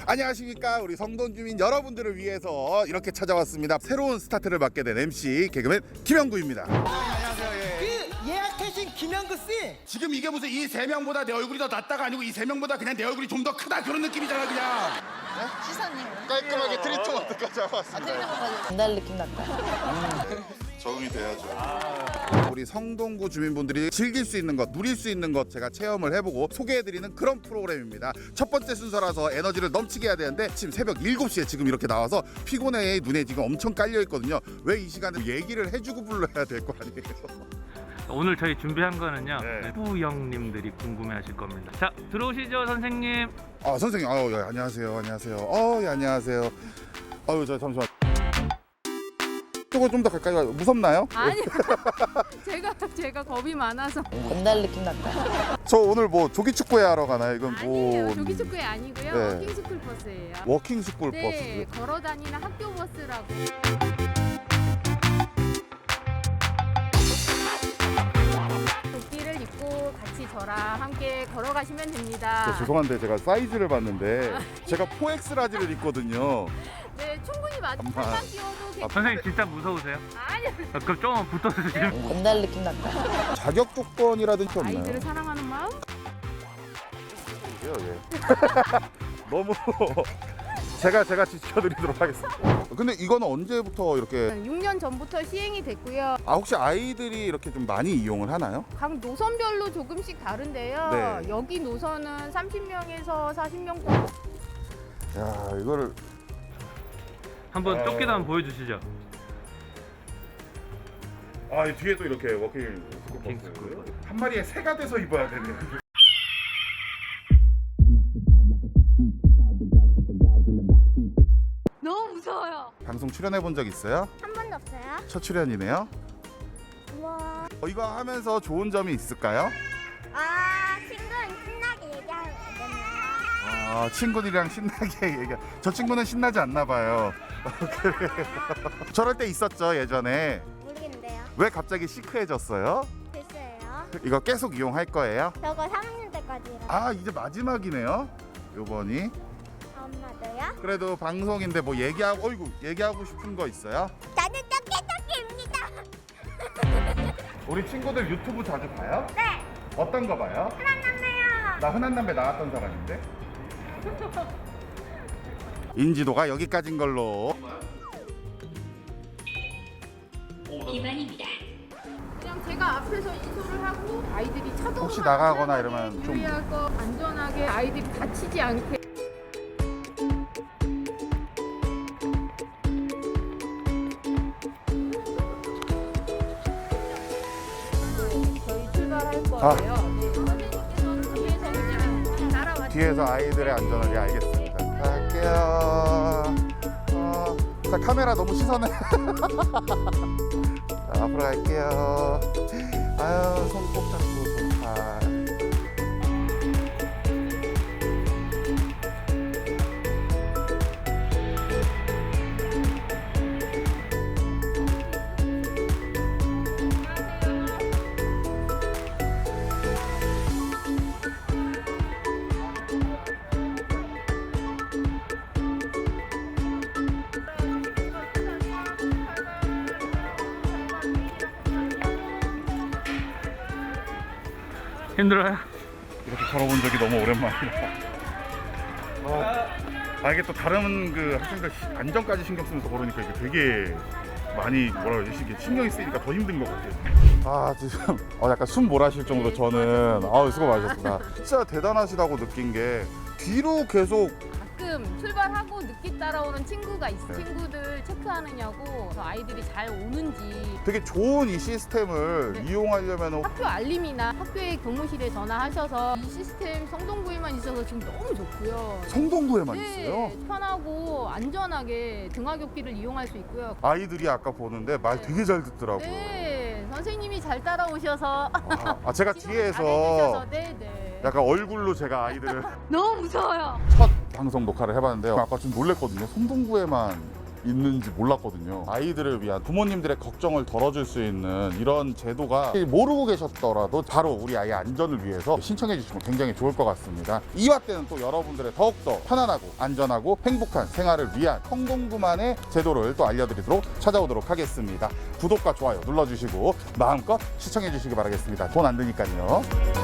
안녕하십니까. 우리 성동 주민 여러분들을 위해서 이렇게 찾아왔습니다. 새로운 스타트를 맡게 된 MC 개그맨 김영구입니다. 안녕하세요. 예. 그 예약하신 김영구 씨. 지금 이게 무슨 이 세 명보다 내 얼굴이 더 낫다가 아니고 이 세 명보다 그냥 내 얼굴이 좀 더 크다 그런 느낌이잖아 그냥. 시사님 깔끔하게 트리트먼트까지 하고 왔습니다. 전달 느낌 났다. 적응이 돼야죠. 우리 성동구 주민분들이 즐길 수 있는 것, 누릴 수 있는 것 제가 체험을 해보고 소개해드리는 그런 프로그램입니다. 첫 번째 순서라서 에너지를 넘치게 해야 되는데 지금 새벽 7시에 지금 이렇게 나와서 피곤해 눈에 지금 엄청 깔려있거든요. 왜 이 시간에 얘기를 해주고 불러야 될 거 아니에요. 오늘 저희 준비한 거는요. 네. 후영님들이 궁금해하실 겁니다. 자, 들어오시죠, 선생님. 아 선생님, 예, 안녕하세요, 안녕하세요. 예, 안녕하세요. 저 잠시만. 저거 좀 더 가까이 와요. 무섭나요? 아니 제가 겁이 많아서 전달 느낌 났다. 저 오늘 뭐 조기 축구회 하러 가나요? 이건 아니에요. 조기 축구회 아니고요. 네. 워킹 스쿨 버스예요. 워킹 스쿨 네, 버스. 걸어 다니는 학교 버스라고. 조끼를 입고 같이 저랑 함께 걸어가시면 됩니다. 죄송한데 제가 사이즈를 봤는데 제가 4X 라지를 입거든요. 네, 충분히 살만 끼워도 괜찮아요. 선생님 진짜 무서우세요? 아니요. 그럼 좀 붙어주시면. 전달 느낌 났다. 자격 조건이라든지 없나요? 아이들을 사랑하는 마음? 예. 너무 제가 지켜드리도록 하겠습니다. 근데 이거는 언제부터 이렇게 6년 전부터 시행이 됐고요. 혹시 아이들이 이렇게 좀 많이 이용을 하나요? 각 노선별로 조금씩 다른데요. 네. 여기 노선은 30명에서 40명. 야, 이거를 한번 쫓기도 한번 보여주시죠. 이 뒤에도 이렇게 워킹 스쿨 버스. 한 마리에 새가 돼서 입어야 되네. 너무 무서워요. 방송 출연해 본 적 있어요? 한 번도 없어요? 첫 출연이네요. 우와. 이거 하면서 좋은 점이 있을까요? 친구랑 신나게 얘기하면 되나요? 친구들이랑 신나게 얘기. 저 친구는 신나지 않나 봐요. 그래요. 저럴 때 있었죠 예전에. 모르겠는데요. 왜 갑자기 시크해졌어요? 글쎄요. 이거 계속 이용할 거예요? 저거 3학년 때까지 일어나. 이제 마지막이네요. 요번이. 엄마도요? 그래도 방송인데 뭐 얘기하고 싶은 거 있어요? 나는 토끼입니다. 우리 친구들 유튜브 자주 봐요? 네. 어떤 거 봐요? 만나요. 나 흔한 남매 나왔던 사람인데. 인지도가 여기까지인 걸로. 그냥 제가 앞에서 인솔을 하고 아이들이 차도 혹시 나가거나 이러면 좀 유의할 거 안전하게 아이들이 다치지 않게. 저희 출발할 거예요. 네, 선생님께서는 뒤에서 그냥 따라와. 뒤에서 아이들의 안전을 알겠습니다. 갈게요. 자, 카메라 너무 시선을. 자, 앞으로 갈게요. 손 꼭 잡고 좋다. 힘들어요? 이렇게 걸어본 적이 너무 오랜만이라. 이게 또 다른 그 학생들 안전까지 신경 쓰면서 걸으니까 이게 되게 많이 이게 신경이 쓰이니까 더 힘든 것 같아요. 지금 약간 숨 몰아쉴 정도로 저는 수고 많으셨습니다. 진짜 대단하시다고 느낀 게 뒤로 계속 가끔 출발하고 늦게 따라오는 친구가 있어. 네. 친구들 체크하느냐고 그래서 아이들이 잘 오는지. 되게 좋은 이 시스템을 네. 이용하려면 학교 알림이나 학교의 교무실에 전화하셔서 이 시스템 성동구에만 있어서 지금 너무 좋고요. 성동구에만 네, 있어요. 편하고 안전하게 등하굣길을 이용할 수 있고요. 아이들이 아까 보는데 말 되게 잘 듣더라고요. 네, 선생님이 잘 따라오셔서 제가 지도를 뒤에서 잘해주셔서, 네. 약간 얼굴로 제가 아이들을 너무 무서워요. 첫 방송 녹화를 해봤는데 아까 좀 놀랬거든요. 성동구에만 있는지 몰랐거든요. 아이들을 위한 부모님들의 걱정을 덜어줄 수 있는 이런 제도가 모르고 계셨더라도 바로 우리 아이의 안전을 위해서 신청해 주시면 굉장히 좋을 것 같습니다. 이화 때는 또 여러분들의 더욱더 편안하고 안전하고 행복한 생활을 위한 성동구만의 제도를 또 알려드리도록 찾아오도록 하겠습니다. 구독과 좋아요 눌러주시고 마음껏 시청해 주시기 바라겠습니다. 돈 안 드니까요.